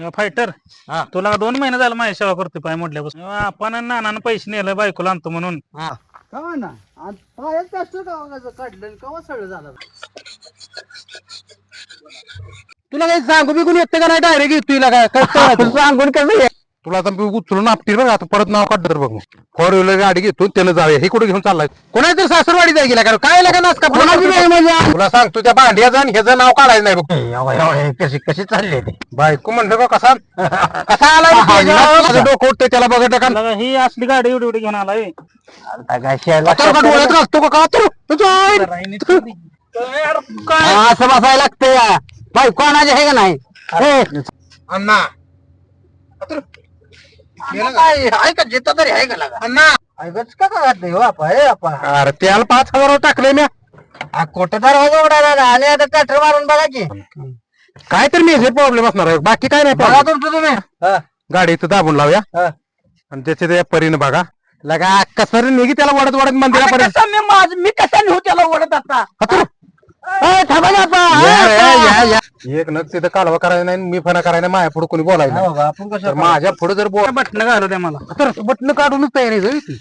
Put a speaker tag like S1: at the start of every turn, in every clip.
S1: Fighter
S2: हा.
S1: तुला 2 महिने झालं माझी सेवा करतोय पाय मोडल्यापासून आपण नानानं पैसे नेलं बायकोला आणतो म्हणून.
S3: का ना पायात प्लास्टर काढलं कवा सगळं झालं.
S2: तुला काही सांगू बिकून येते का नाही डायरेक्ट येतोय काय सांगून कसं तुला आता मी उचलून आपतील बघ आता परत नाव काढलं तर बघ 4 व्हीलर गाडी घेतो त्यानं जाऊया हे कुठे घेऊन चाललाय कोणाच्या सासरवाडी जाय गेला काय लागा नाच का तुला सांगतो त्या भांड्याचं आणि ह्याचं नाव काढायचं नाही बघ कशी कशी चालली ते बायको म्हणलं का कसा कसा आला डोकं उठतंय त्याला बघत का
S1: लगा ही असली गाडी एवढी एवढी घेऊन आलाय.
S2: डोळ्यात घालतो का असं बसायला लागतं या बायको आणायचे हे का नाही अण्णा आहे का जिथं तरी आहे का लागा अण्णा ऐकच का घातलं हो अरे त्याला 5,000 टाकले मी कोट दरवाजा उडाला आणि आता ट्रॅक्टर मारून बघा की काय तर मेजर प्रॉब्लेम असणार आहे बाकी काय नाही बघा तुमचं तुम्ही गाडी इथं दाबून लावूया आणि त्याच्या त्या परीने बघा लगा कसं निघी त्याला वडत वडत मंदिरापर्यंत मी कशा नेऊ त्याला वडत आता एक नग तिथं कालवा करायला नाही मी फना करायला माझ्या पुढे कोणी बोलायला आपण कसं माझ्या पुढे जर बोल
S1: बटन घालू द्या मला.
S2: तर बटन काढूनच तयारी जाईल ती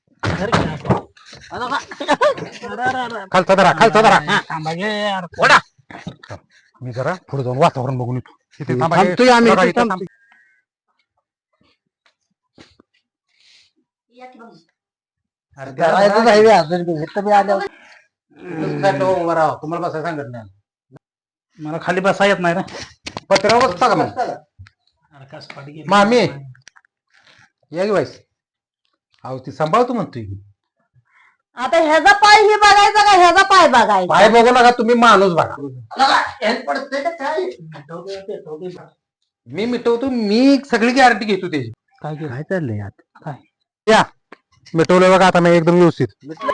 S2: खालचा धरा
S1: थांबा घे यार.
S2: ओढा मी जरा पुढे जाऊन वातावरण बघून येतो तिथे थांबतोय आम्ही तुम्हाला बसायला सांगत नाही
S1: मला खाली बसा येत नाही रे.
S2: पत्र्यावर बसता का मग
S1: अरे कस पाठी गेली.
S2: मामी या की वाईस अहो ती सांभाळतो म्हणतोय
S4: आता ह्याचा पाय ही बघायचा का ह्याचा पाय बघायचा
S2: पाय बघू नका तुम्ही माणूस बघा मी मिटवतो मी सगळी गॅरंटी घेतो त्याची
S1: काय चाललंय आता काय
S2: या मिटवलं बघा आता मी एकदम व्यवस्थित